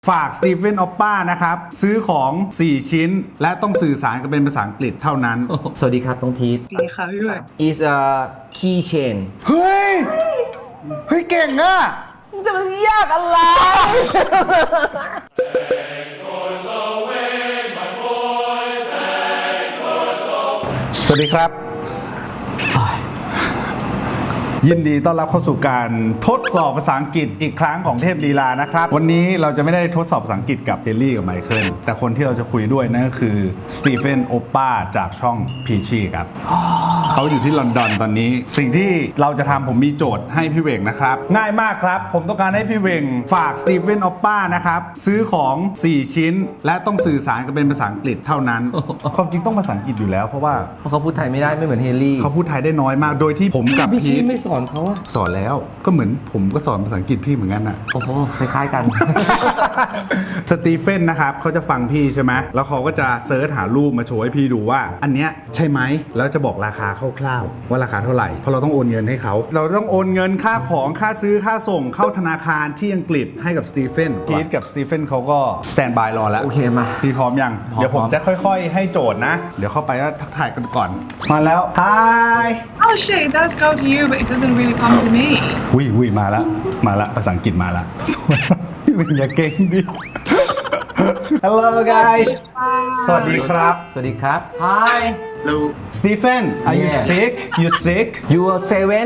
ฝากสตีเฟนออปป้านะครับซื้อของ4ชิ้นและต้องสื่อสารกันเป็นภาษาอังกฤษเท่านั้นสวัสดีครับน้องพีทดีค่ะพี่ด้วย is a keychain เฮ้ยเก่งอะจะมันยากอะไรสวัสดีครับยินดีต้อนรับเข้าสู่การทดสอบภาษาอังกฤษอีกครั้งของเทพลีลานะครับวันนี้เราจะไม่ได้ทดสอบภาษาอังกฤษกับเฮลลี่กับไมเคิลแต่คนที่เราจะคุยด้วยนั่นก็คือสตีเฟนโอปป้าจากช่องพีชีครับเขาอยู่ที่ลอนดอนตอนนี้สิ่งที่เราจะทำผมมีโจทย์ให้พี่เวงนะครับง่ายมากครับผมต้องการให้พี่เวงฝากสตีเฟนโอปป้านะครับซื้อของ4ชิ้นและต้องสื่อสารกันเป็นภาษาอังกฤษเท่านั้นความจริงต้องภาษาอังกฤษอยู่แล้วเพราะว่าเพราะเขาพูดไทยไม่ได้ไม่เหมือนเฮลลี่เขาพูดไทยได้น้อยมากโดยที่ผมกับพี่พีชีทไม่สอนเขาอะสอนแล้วก็เหมือนผมก็สอนภาษาอังกฤษพี่เหมือนกันน่ะโอ้โหคล้ายๆกันสตีเฟนนะครับเขาจะฟังพี่ใช่ไหมแล้วเขาก็จะเซิร์ชหารูปมาโชว์ให้พี่ดูว่าอันเนี้ยใช่ไหมแล้วจะบอกราคาคร่าวๆว่าราคาเท่าไหร่เพราะเราต้องโอนเงินให้เขาเราต้องโอนเงินค่าของค่าซื้อค่าส่งเข้าธนาคารที่อังกฤษให้กับสตีเฟนพีทกับสตีเฟนเขาก็สแตนบายรอแล้วโอเคมาพี่พร้อมยังพร้อมเดี๋ยวผมจะค่อยๆให้โจทย์นะเดี๋ยวเข้าไปก็ทักทายกันก่อนมาแล้ว Hi Oh shit it does go to you but it doesn't really come to me วิมาละภาษาอังกฤษมาละ พี่เป็นอย่าเก่งดิ Hello guys สวัสดีครับสวัสดีครับ Hi Hello Stephen are you Yeah. sick you sick you are seven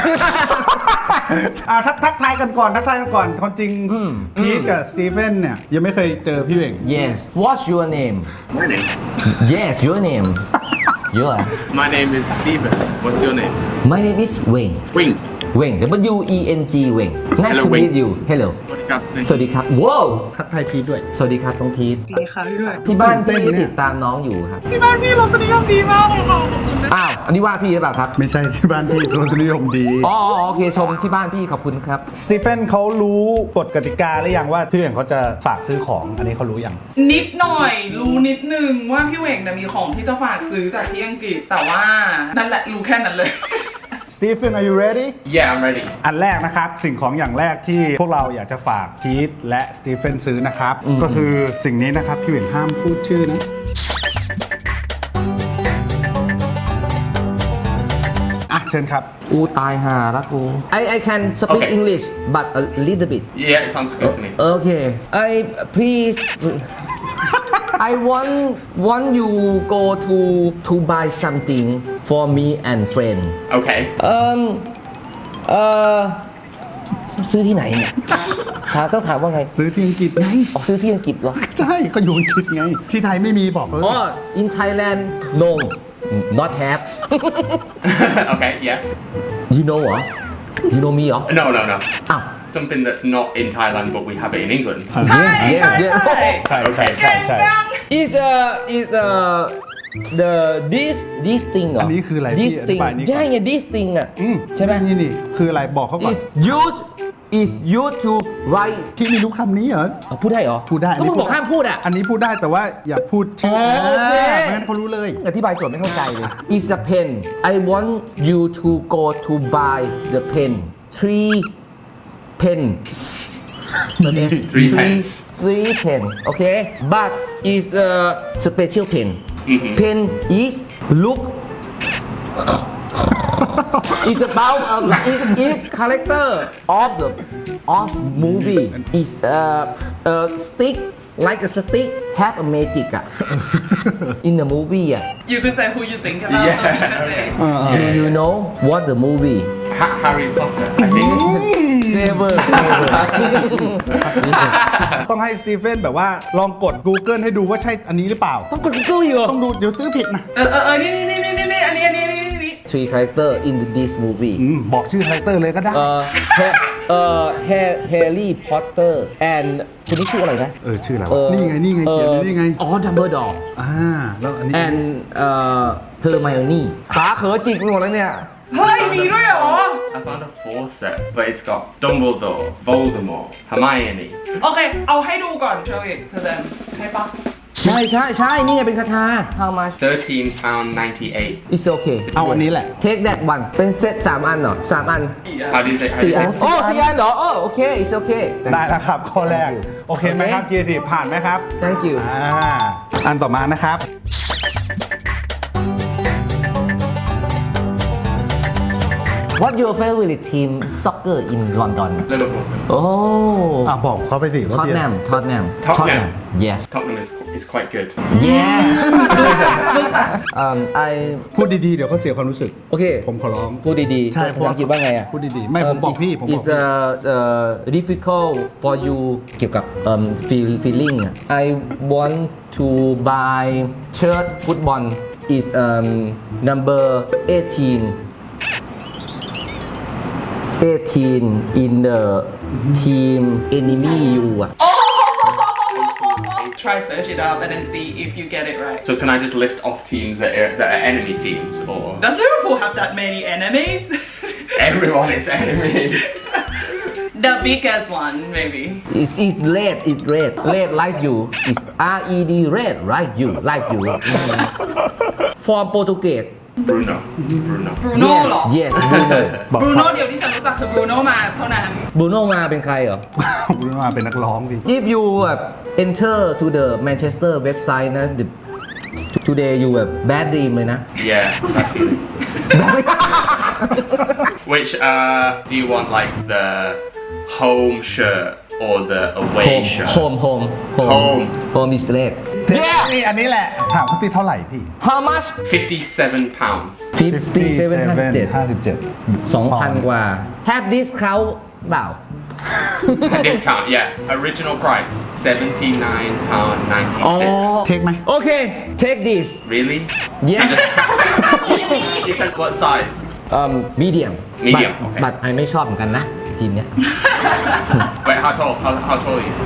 ทักทายกันก่อนความจริงพีทกับสตีเฟนเนี่ยยังไม่เคยเจอพี่เวง yes what's your name My name? yes your name your My name is Steven. What's your name? my name is Wayne Wing. Wayne W-E-N-G Wayne nice Hello, to meet Wayne. you hello สวัสดีครับสวัสดีครับว้าวทักทายพีทด้วยสวัสดีครับน้องพีทดีค่ะพี่ด้วยที่บ้านตื่นเต้พี่นเนี่ยติดตามน้องอยู่ครับที่บ้านพี่รสนิยมดีมากเลยค่ะอ้าวอันนี้ว่าพี่หรือเปล่าครับไม่ใช่ที่บ้านพี่รสนิยมดีอ๋อโอเคชมที่บ้านพี่ขอบคุณครับสตีเฟนเขารู้กฎกติกาหรือยังว่าพี่เวงเขาจะฝากซื้อของอันนี้เขารู้ยังนิดหน่อยรู้นิดนึงว่าพี่เหวงเนี่ยมีของที่จะฝากซื้อจากที่อังกฤษแต่ว่านั่นแหละรู้แค่นั้นเลย Stephen are you ready Yeah, I'm ready. อันแรกนะครับสิ่งของอย่างแรกที่พวกเราอยากจะฝากพีทและสตีเฟนซื้อนะครับ ก็คือสิ่งนี้นะครับพี่เวงห้ามพูดชื่อนะอ่ะเชิญครับกูตายห่าละกู I can speak Okay. English but a little bit Yeah, it sounds good to me. okay I please I want you go to buy something for me and friend Okay. ซื้อที่ไหนเนี่ยต้องถามว่าไงซื้อที่อังกฤษไงออกซื้อที่อังกฤษเหรอใช่ก็อยู่อังกฤษไง ที่ไทยไม่มีบอกเขาอ๋อ in Thailand no not have Okay, yeah. you know เหรอ you know me เหรอ No. อ้าว Something that's not in Thailand, but we have it in England. yes yes yes ใช่ is the this thing เหรออันนี้คืออะไร this พี่อธิ thing บายนี่ก่อนใช่ไง this thing อ่ะ ใช่ไหมนี่คืออะไรบอกเขาก่อน is used to write พี่ไม่รู้คำนี้เหรอพูดได้เหรอพูดได้ก็มึงบอกห้ามพูดอ่ะอันนี้พูดได้แต่ว่าอย่าพูดชื่อโอเคไม่งั้นเขารู้เลยอธิบายโจทย์ไม่เข้าใจเลย is a pen I want you to go to buy the pen three pen Three pens. three pen okay but is a special pen pen is look is about is character of movie is a stick like a stick have a magic อ่ะ in the movie อ่ะ You can say who you think about Yeah. so you can say do you know what the movie Harry Potter, I think. clever ต้องให้สตีเฟนแบบว่าลองกด Google ให้ดูว่าใช่อันนี้หรือเปล่าต้องกด Google อยู่ต้องดูเดี๋ยวซื้อผิดนะนี่อันนี้ three character in this movie บอกชื่อคาแรคเตอร์เลยก็ได้ Harry Potter and คนนี้ชื่ออะไรนะชื่ออะไรวะนี่ไงเขียนอยู่นี่ไงอ๋อ Dumbledore แล้วอันนี้ and Hermione ขาเขอจิกไปหมดแล้วเนี่ยเฮ้ยมีด้วยเหรอ I found a four set, but it's got Dumbledore, Voldemort, Hermione. โอเค เอาให้ดูก่อนเชอร์วิทเธอเดินให้ปะใช่ใช่ใช่นี่ไงเป็นคาถา how much 13 £13.98. it's okay เอาอันนี้แหละ take that one เป็นเซต3 อันเหรอ3 อัน How do you say? 4 อัน 4 โอ้อัน 4 อันเหรอโอ้โอเค it's okay ได้แล้วครับ ข้อแรก Thank you โอเคไหมครับเกียร์ทีผ่านไหมครับ thank you อันต่อมานะครับ what your favorite team soccer in London Liverpool. โอ้บอกเขาไปสิว่าเบียร์ Tottenham Tottenham. yes Tottenham is quite good. yeah I พูดดีๆ เดี๋ยวเขาเสียความรู้สึกโอเคผมขอร้องพูดดีๆใช่ภาษาอังกฤษว่าไงอ่ะพูดดีๆ ไม่ผมบอกพี่ ผมบอก It's พี่ difficult for you เกี่ยวกับ feeling อ่ะ I want to buy shirt football is number 18 in the team enemy you อ่ะ Try search it up and then see if you get it right. So can I just list off teams that are enemy teams, or Does Liverpool have that many enemies? everyone is enemy? The biggest one, maybe. It's red like you is red red like you from Portuguese Bruno. Bruno เหรอ yes Bruno บอก Bruno เดียวที่ฉันรู้จักคือ Bruno Mars เท่านั้น Bruno มาเป็นใครเหรอรู้ว่าเป็นนักร้องดิ If you enter to the Manchester website นะ today you bad dream เลยนะ Yeah, that's it. Which do you want, like the home shirt or the away shirt? home is red นี่อันนี้แหละ ถามเขาตีเท่าไหร่พี่ how much £57. 57 2,000 กว่า have discount เปล่า Discount, yeah. Original price £79.96. เทคไหมโอเค take this Really? yeah You said what size? medium Medium, but, okay. but I ไม่ชอบเหมือนกันนะ ทีมเนี้ย Wait, how tall? How tall are you?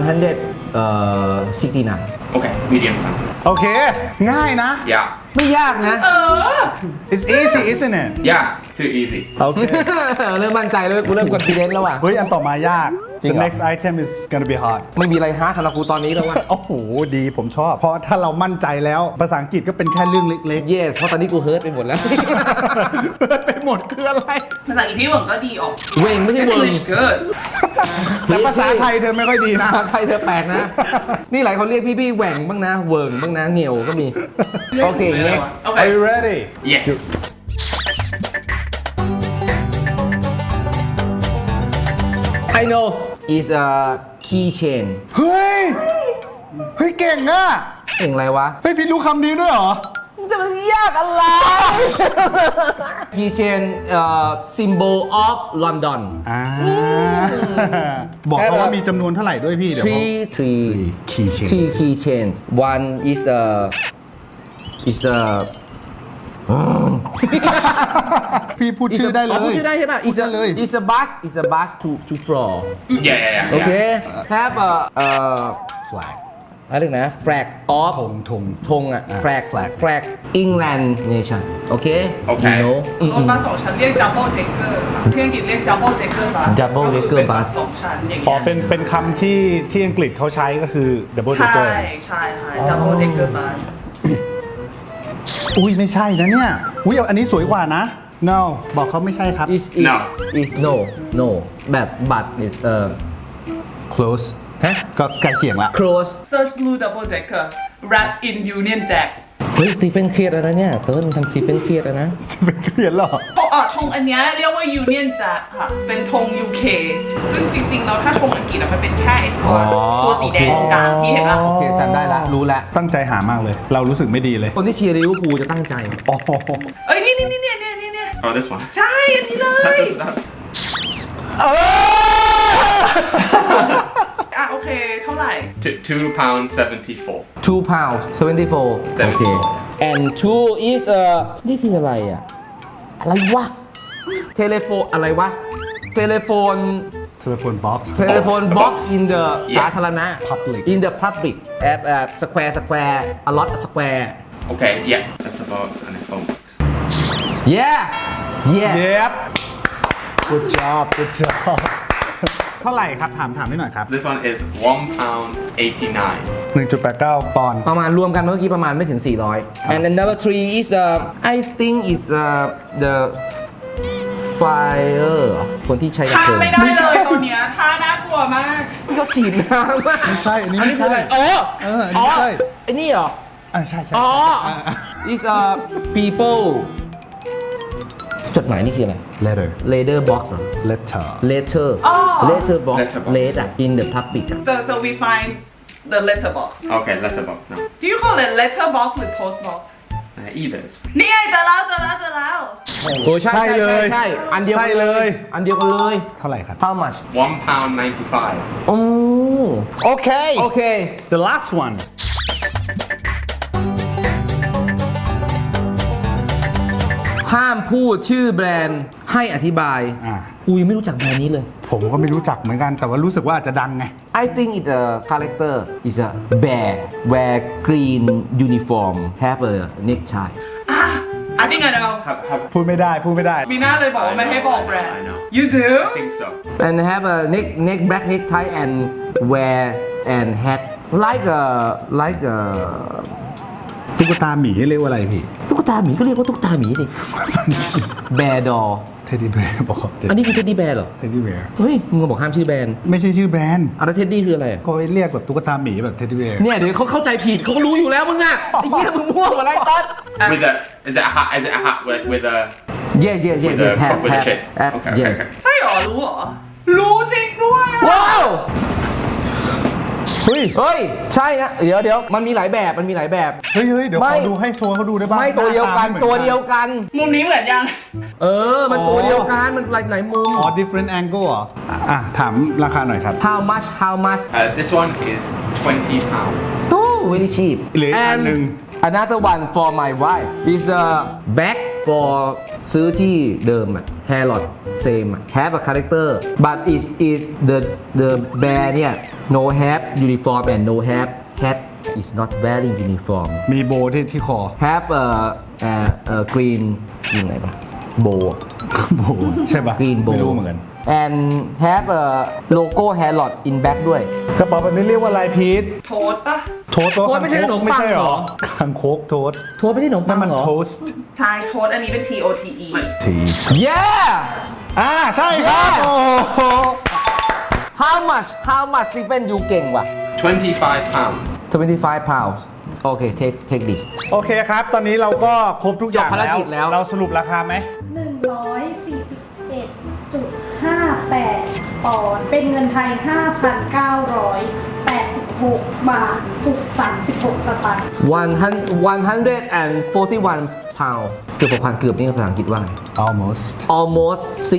169 Okay, medium size. โอเค ง่ายนะ Yeah. ไม่ยากนะ it's easy isn't it Yeah, too easy. โอเคเริ่มมั่นใจเลยกูเริ่ม confident แล้วว่ะเฮ้ย อันต่อมายากจริง the เหรอ next item is gonna be hard ไม่มีอะไรฮาร์ดสำหรับกูตอนนี้แล้วว่ะโอ้โห ดีผมชอบ เพราะถ้าเรามั่นใจแล้ว ภาษาอังกฤษก็เป็นแค่เรื่องเล็ก yes เพราะตอนนี้กูเฮิร์ตไปหมดแล้วๆ ไปหมดคืออะไรภาษาอังกฤษพี่หวังก็ดีออกเวงไม่ใช่ His เวิง English good. แต่ภาษาไทยเธอไม่ค่อยดีนะภาษาไทยเธอแปลกนะ นี่หลายคนเรียกพี่แหว่งบ้างนะ เวิงบ้างนะเหนียวก็มี โอเค next Are you ready Yes. I know is a keychain เฮ้ย เฮ้ย เก่งอ่ะเองอะไรวะเฮ้ย พี่รู้คำนี้ด้วยเหรอจะมันยากอะไร keychain symbol of London บอกเขาว่ามีจำนวนเท่าไหร่ด้วยพี่ เดี๋ยวเขา three keychain keychains one is a พี่พูดชื่อได้เลยพูดชื่อได้ใช่ป่ะพูดได้เลย is a bus to floor Yeah. โอเค have a flag อะไรนะ flag of ธงอ่ะ flag England nation โอเค Okay. you know รถบัสสองชั้นเรียก double decker ค่ะที่อังกฤษเรียก double decker bus Double ก็คือ decker เป็น bus สองชั้นอย่างอ๋อเงี้ยเป็นคำที่อังกฤษเขาใช้ก็คือ double ใช่ decker ใช่ค่ะ double decker bus อุ้ยไม่ใช่นะเนี่ย อุ้ยอันนี้สวยกว่านะ no บอกเขาไม่ใช่ครับ is no แบบ but is close ฮะก็ใกล้เคียงละ close search blue double decker wrap in Union Jack เฮ้ยสตีเฟนเครียดแล้วนะเนี่ยเติ้ลทำสตีเฟนเครียดแล้วนะเป็นเขียนหรอธงอันเนี้ยเรียกว่า Union Jack ค่ะ เป็นธง UK ซึ่งจริงๆแล้วถ้าธงอังกฤษอะมันเป็นแค่ไอ้ตัวสีแดงตรงกลางที่เห็นปะโอเคจำได้ละรู้ละตั้งใจหามากเลย เรารู้สึกไม่ดีเลยคนที่เชียร์ลิเวอร์พูลจะตั้งใจโอ้โหเอ้ยนี่ Oh, this one. ใช่อันนี้เลย อ่ะโอเคเท่าไหร่ £2.74. 2 pounds 74โอเค and 2 is นี่คืออะไรอ่ะ อะไรวะ เทเลโฟนอะไรวะ เทเลโฟน telephone box box in the สาธารณะ Public in the public square a lot of square Okay, yeah. That's a box and a phone. yeah yep good job เท่าไหร่ครับถามนิดหน่อยครับ This one is £1.89. 1.89 ปอนด์ประมาณรวมกันเมื่อกี้ประมาณไม่ถึง 400 and then number 3 is I think is the fire คนที่ใช้ดับท่าเพลิงไม่ได้เลยตัวเนี้ยท่าน่ากลัวมากที่เขาฉีดน้ำอะไม่ใช่อันนี้ไม่ใช่คืออะไรอ๋ออันนี้ไม่ใช่ไอ้นี่เหรอใช่อ๋อ is people จดหมายนี่คืออะไร letter letter box เหรอ letter letter อ๋อ letter box Letterbox letter อะ in the public อะ so we find the letterbox Okay, letterbox now. do you call it letterbox หรือ postbox Either is นี่ไงเจอแล้วโอ้ใช่ใช่เลยใช่อันเดียวกันใช่เลยอันเดียวกันเลยเท่าไหร่ครับ how much £1.95. โอ้โอเคโอเค the last one ห้ามพูดชื่อแบรนด์ให้อธิบาย กูยังไม่รู้จักแบรนด์นี้เลยผมก็ไม่รู้จักเหมือนกัน แต่ว่ารู้สึกว่าอาจจะดังไง I think it's a character is a bear wear green uniform have a necktie I think I know พูดไม่ได้มีหน้าเลยบอกว่าไม่ให้บอกแบรน I ด์ know. you do I think so. and have a black necktie and wear and hat like a ตุ๊กตาหมีเรียกว่าอะไรพี่ตุ๊กตาหมีก็เรียกว่าตุ๊กตาหมีสิ bear doll เท็ดดี้แบร์บอกอันนี้คือ teddy bear เหรอเท็ดดี้แบร์เฮ้ยมึงบอกห้ามชื่อแบรนด์ไม่ใช่ชื่อแบรนด์อะไร teddy คืออะไรอะก็เรียกแบบตุ๊กตาหมีแบบเท็ดดี้แบร์เนี่ยเดี๋ยวเขาเข้าใจผิดเขาก็รู้อยู่แล้วมึงอะไอ้เหี้ยมึงมั่วหมดแล้วไอ้ต๊อด With a, is it a hat? Is it a hat with a yes with a have with a have shape? have Okay, yes okay. ใช่เหรอ รู้เหรอ รู้จริงด้วยอะว้าวเฮ้ยเฮ้ย ใช่นะ เดี๋ยวมันมีหลายแบบ มันมีหลายแบบเฮ้ยเดี๋ยวไม่ขอดูให้โชว์เขาดูได้บ้างไม่ตัวเดียวกันหาาไม่หมือตัวเดียวกันมุมนี้เหมือนยังมันตัวเดียวกัน มันหลายมุมอ๋อ different angle เหรอถามราคาหน่อยครับ how much This one is £20. oh very cheap เหลืออีกอันหนึ่ง another one for my wife is the bag for ซื้อที่เดิมอะ Harrod same อะ have a character but is the bear เนี่ย no have uniform and no have hat is not wearing uniform มีโบที่คอ have a green ยังไงปะ bow โบใช่ปะ green bow ไม่รู้เหมือนกัน and have a logo Harrod in back ด้วยกระเป๋าแบบนี้เรียกว่าอะไรพีทโทษปะโทสต์โทสต์ไม่ใช่ขนมปังเหรอคางคกโทสต์โทษไม่ใช่ขนมปันั่งนมันเหรอโทสต์ใช่โทษอันนี้เป็น TOTE ที yeah ใช่ครับ Yeah โอ้โห how much Stephen ยูเก่งว่ะ £25. 25 pounds โอเค take this โอเคครับ ตอนนี้เราก็ครบทุกอย่างจบภารกิจแล้วเราสรุปราคาไหม 141.58 ปอนด์เป็นเงินไทย 5,986 บาทจุด36 สตางค์ 141 pound เกือบ6,000เกือบนี่ภาษาอังกฤษว่าไง almost almost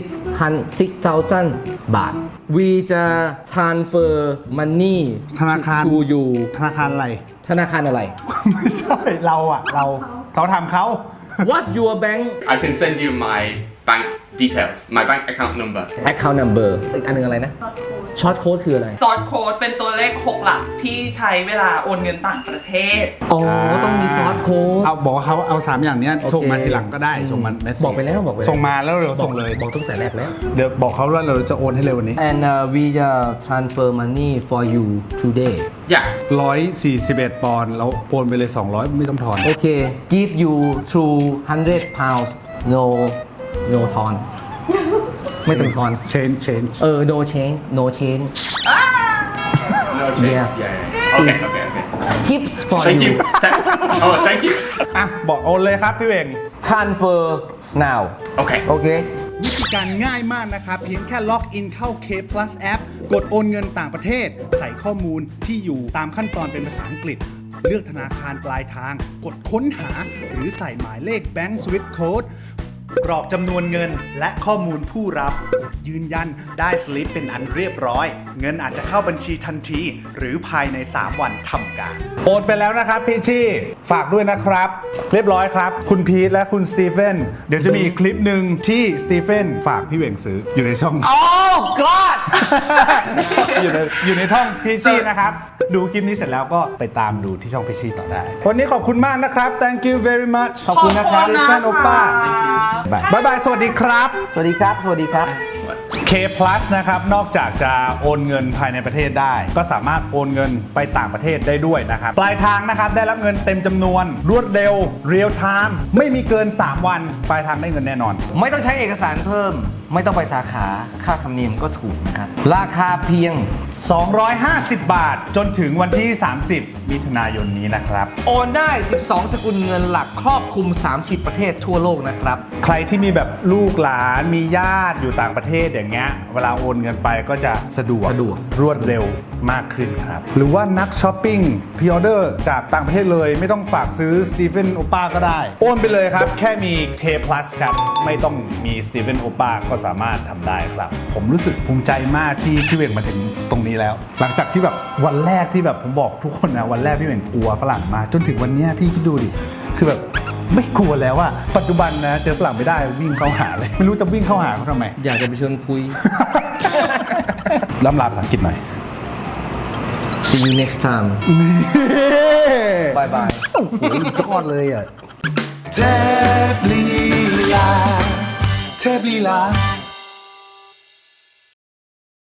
6,000 บาท we จะ transfer money ธนาคาร to you ธนาคารอะไรธนาคารอะไรไม่ใช่เราทำเขา what your bank I can send you my bank details, my bank account number. account number อีกอันหนึงอะไรนะ short code คืออะไรซอสโค้ดเป็นตัวเลข 6 หลักที่ใช้เวลาโอนเงินต่างประเทศอ๋อ ต้องมี short code เอาบอกว่าเขาเอา3อย่างเนี้ยโอเคส่งมาทีหลังก็ได้ส่งมาเมสเซจบอกไปแล้วส่งมาแล้วเราส่งเลยบอกตั้งแต่แรกแล้วเดี๋ยวบอกเขาว่าเราจะโอนให้เร็ววันนี้ and we transfer money for you today Yeah. 141 ปอนด์แล้วโอนไปเลย 200 ไม่ต้องทอนโอเค give you 200 pounds no ทอน ไม่ต้องทอน change no change no change No change. Yeah. Yeah. Okay. Is- Okay. tips for Thank you you. Thank you. อ่ะ บอกโอนเลยครับพี่เวง transfer now Okay. โอเควิธีการง่ายมากนะครับ เพียงแค่ล็อกอินเข้า K Plus App กดโอนเงินต่างประเทศ ใส่ข้อมูลที่อยู่ตามขั้นตอนเป็นภาษาอังกฤษ เลือกธนาคารปลายทาง กดค้นหา หรือใส่หมายเลข Bank Swift Code กรอกจำนวนเงินและข้อมูลผู้รับ กดยืนยันได้สลิปเป็นอันเรียบร้อย เงินอาจจะเข้าบัญชีทันที หรือภายใน 3 วันทำการโอนไปแล้วนะครับพี่ชี่ฝากด้วยนะครับ เรียบร้อยครับ คุณพีทและคุณสตีเฟนเดี๋ยวจะมีอีกคลิปหนึ่งที่สตีเฟนฝากพี่เวงซื้ออยู่ในช่อง oh god อยู่ในช่องพีชี่นะครับ ดูคลิปนี้เสร็จแล้วก็ไปตามดูที่ช่องพีชี่ต่อได้ วันนี้ขอบคุณมากนะครับ thank you very much ขอบคุณนะครับสตีเฟนโอป้า Bye บ๊ายบาย สวัสดีครับสวัสดีครับ สวัสดีครับ What? K Plus นะครับนอกจากจะโอนเงินภายในประเทศได้ ก็สามารถโอนเงินไปต่างประเทศได้ด้วยนะครับปลายทางนะครับได้รับเงินเต็มจำนวนรวดเร็ว Real Time ไม่มีเกิน 3 วันปลายทางได้เงินแน่นอนไม่ต้องใช้เอกสารเพิ่ม ไม่ต้องไปสาขาค่าธรรมเนียมก็ถูกนะครับ ราคาเพียง 250 บาทจนถึงวันที่ 30 มิถุนายนนี้นะครับโอนได้ 12 สกุลเงินหลักครอบคลุม 30 ประเทศทั่วโลกนะครับใครที่มีแบบลูกหลานมีญาติอยู่ต่างประเทศอย่างเงี้ยเวลาโอนเงินไปก็จะสะดวกรวดเร็วมากขึ้นครับ หรือว่านักช้อปปิ้งพรีออเดอร์จากต่างประเทศเลยไม่ต้องฝากซื้อสตีเฟนโอป้าก็ได้ โอนไปเลยครับ แค่มี K Plus ครับ ไม่ต้องมีสตีเฟนโอป้าก็สามารถทำได้ครับ ผมรู้สึกภูมิใจมากที่พี่เวงมาถึงตรงนี้แล้ว หลังจากที่แบบวันแรกที่แบบผมบอกทุกคนนะวันแรกพี่เวงกลัวฝรั่งมากจนถึงวันเนี้ยพี่คิดดูดิคือแบบไม่กลัวแล้วอะปัจจุบันนะเจอฝรั่งไม่ได้วิ่งเข้าหาเลยไม่รู้จะวิ่งเข้าหาเขาทำไมอยากจะไปชวนคุยล่ำลาภาษาอังกฤษหน่อย See you next time Bye bye โอ้โหยอดเลยอ่ะเทพลีลา